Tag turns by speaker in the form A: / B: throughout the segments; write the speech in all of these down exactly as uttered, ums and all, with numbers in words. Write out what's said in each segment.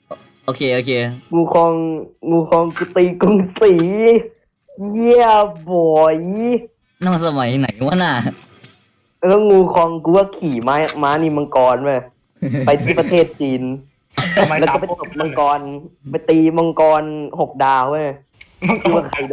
A: โอเคโอเค
B: งูคองงูคองกูตีกรุงศรีเยี่ยบอย
A: นั่นมันสมัยไหนวะน่ะ
B: แล้วงูคองกูว่าขี่ม้าม้านี่มังกรเว้ยไปที่ประเทศจีน
C: สมัย
B: แล้ว
C: สาม
B: ก็ไปตบมัง
C: ก๊กนั่นแหละ
B: กรไปตีมังกรหกดาวเว้ย
C: มันก็
B: ชื่อว่าไคโด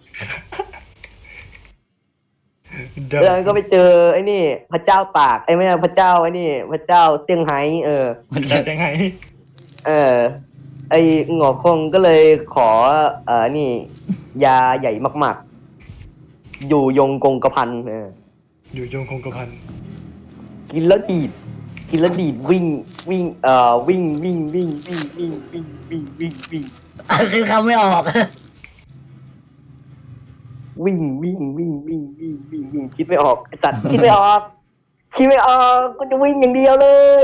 C: เดิม
B: แล้วก็ไปเจอไอ้นี่ พระเจ้าตากไอ้ไม่ใช่พระเจ้าไอ้นี่ พระเจ้าเซี่ยงไฮ้เออ
A: มันจะ
C: จะยังไง
B: เออ ไอ้หงอคงก็เลยขอ เอ่อนี่ ยาใหญ่มากๆ อยู่ยงกงกระพันเออ
C: อยู่ยงคงกระพัน
B: กินแล้วดีด กินแล้วดีดวิ่งวิ่งเอ่อวิ่งวิ่งวิ่งวิ่งวิ่งวิ่งวิ่งวิ่งวิ่ง
A: คือคำไม่ออก
B: วิ่งวิ่งวิ่งวิ่งวิ่งวิ่งวิ่งคิดไม่ออกไอสัตว์คิดไม่ออก คิดไม่ออกกูจะวิ่งอย่างเดียวเลย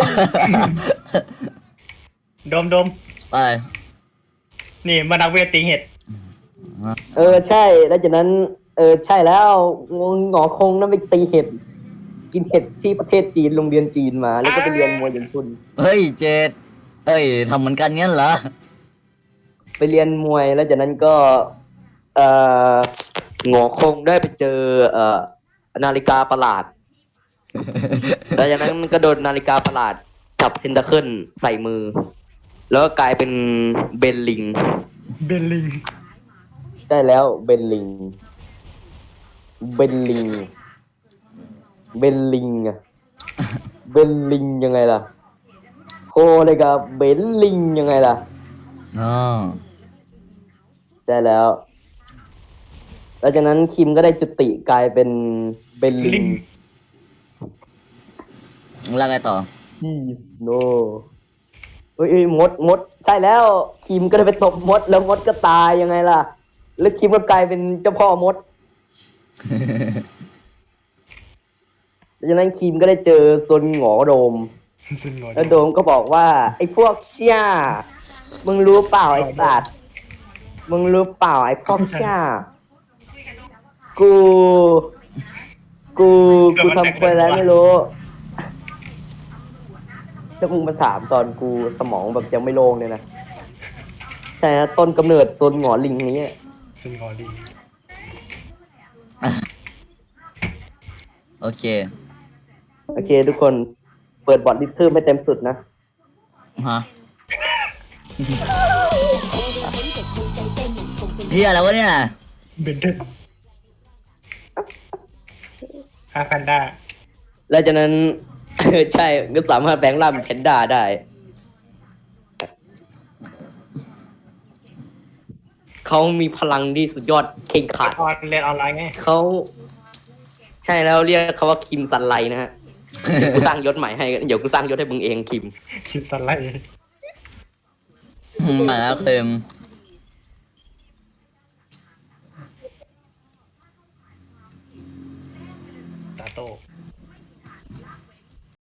C: โดมโดม
A: ไป
C: นี่มานักเวทตีเห็ด
B: เออใช่แล้วจากนั้น เออใช่แล้วงหงอคงนั่นไปตีเห็ด กินเห็ดที่ประเทศจีนโรงเรียนจีนมา แล้วก็ไปเรียนมวยอย่างชุน
A: เฮ้ยเจดเอ้ยทำเหมือนกันงั้นเหรอ
B: ไปเรียนมวยแล้วจากนั้นก็ เออหงอคงได้ไปเจอ เอ่อนาฬิกาประหลาด แล้วจากนั้นมันก็โดนนาฬิกาประหลาดจับเทนตาเคิลใส่มือ แล้วก็กลายเป็นเบนลิง
C: เบลลิง
B: ใช่แล้วเบนลิง เบนลิง เบนลิงอะเบนลิงยังไงล่ะ โคเลยกับเบนลิงยังไงล่ะ
A: อ๋อ
B: ใช่แล้ว แล้วจากนั้นคิมก็ได้จุติกลายเป็นเบนลิ
C: ลิ
B: ง
C: ง
A: แล้วไงต่อ
B: ฮีสโนเอ้ยเอ้ยมดมด ใช่แล้วคิมก็ได้ไปตบมด แล้วมดก็ตายยังไงล่ะ แล้วคิมก็กลายเป็นเจ้าพ่อมด แล้วจากนั้นคิมก็ได้เจอซนหงอโดม
C: ซึ่งงอน
B: แล้วโดมก็บอกว่า ไอ้พวกเชี่ยมึงรู้เปล่าไอ้สัตว์มึงรู้เปล่าไอ้พวกเชี่ยกู กูกูทำไปแล้วไม่รู้ถ้ามึงมาถามตอนกูสมองแบบยังไม่โล่งเนี่ยนะใช่นะต้นกำเนิดโซนหงอลิงนี้
C: ซึ่งงอลิง
A: โอเค
B: โอเค ทุกคนเปิดบอทลิทเทิลให้เต็มสุดนะ
A: ฮะเฮียอะไรวะเนี่ย
C: เบนเดนฮาแพนด้า
B: แล้วจากนั้น ใช่ก็สามารถแปลงร่างเป็นแพนด้าได้ เขามีพลังที่สุดยอดเข่งขาด
C: ออนเรียนออนไลน์ไง
B: เขาใช่แล้วเรียกเขาว่าคิมซันไลนะฮะ เดี๋ยวกูสร้างยศใหม่ให้ เดี๋ยวกูสร้างยศให้มึงเองคิม
C: คลิปสไลด์
A: มาแล้วเค็ม
C: ตาโต้